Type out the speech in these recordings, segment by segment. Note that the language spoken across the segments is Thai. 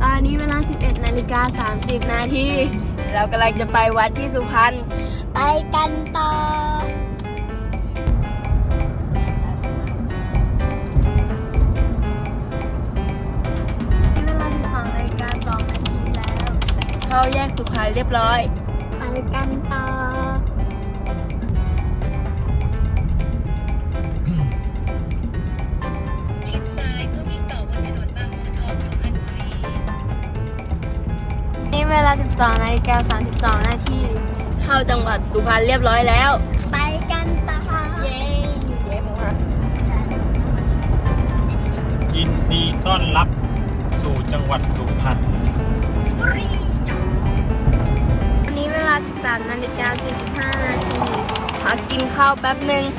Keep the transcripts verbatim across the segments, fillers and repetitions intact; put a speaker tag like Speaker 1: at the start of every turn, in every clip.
Speaker 1: ตอนนี้เวลา สิบเอ็ดนาฬิกาสามสิบนาที เรากำลังจะไปวัดที่สุพรรณ
Speaker 2: ไปกันต่อ
Speaker 1: เวลา สิบสองนาฬิกาสองนาทีแล้ว เข้าแยกสุพรรณเรียบร้อย
Speaker 2: ไปกันต่อ
Speaker 3: ชิดซ้ายเพื่อวิ่งต่อบนถนนบางบัวทองสุพรรณบุรี
Speaker 1: นี่เวลา สิบสองนาฬิกาสามสิบสองนาที เข้าจังหวัดสุพรรณเรียบร้อยแล้ว
Speaker 2: ไปกันต่อเย้
Speaker 1: เย้มั้งคะ
Speaker 4: ยินดีต้อนรับสู่จังหวัดสุพรรณ
Speaker 2: บุรี
Speaker 1: วันนี้เวลา สิบสามนาฬิกาสี่สิบห้านาทีพักกินข้าวแป๊บหนึ่ง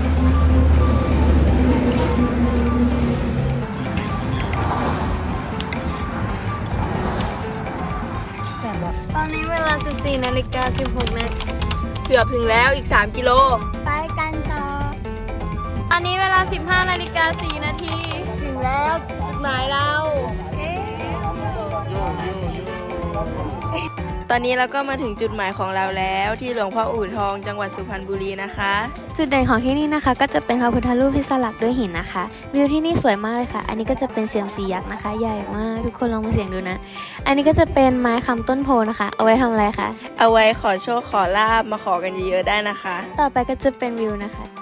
Speaker 1: ตอนนี้เวลา สิบสี่นาฬิกาสิบหกนาทีเกือบถึงแล้วอีก สาม กิโล
Speaker 2: ไปกันต่อ
Speaker 1: ตอนนี้เวลา สิบห้านาฬิกาสี่นาที ถึงแล้วจุดหมายเรา ตอนนี้เราก็มาถึงจุดหมายของเราแล้วที่หลวงพ่ออู่ทองจังหวัดสุพรรณบุรีนะคะ
Speaker 2: จุดเด่นของที่นี่นะคะก็จะเป็นพระพุทธรูปที่สลักด้วยหินนะคะ วิวที่นี่สวยมากเลยค่ะ อันนี้ก็จะเป็นเซียมซียักษ์นะคะ ใหญ่มากทุกคนลองมาเสี่ยงดูนะ อันนี้ก็จะเป็นไม้คำต้นโพนะคะ เอาไว้ทำอะไรคะ
Speaker 1: เอาไว้ขอโชคขอลาบมาขอกันเยอะๆได้นะคะ
Speaker 2: ต่อไปก็จะเป็นวิวนะคะ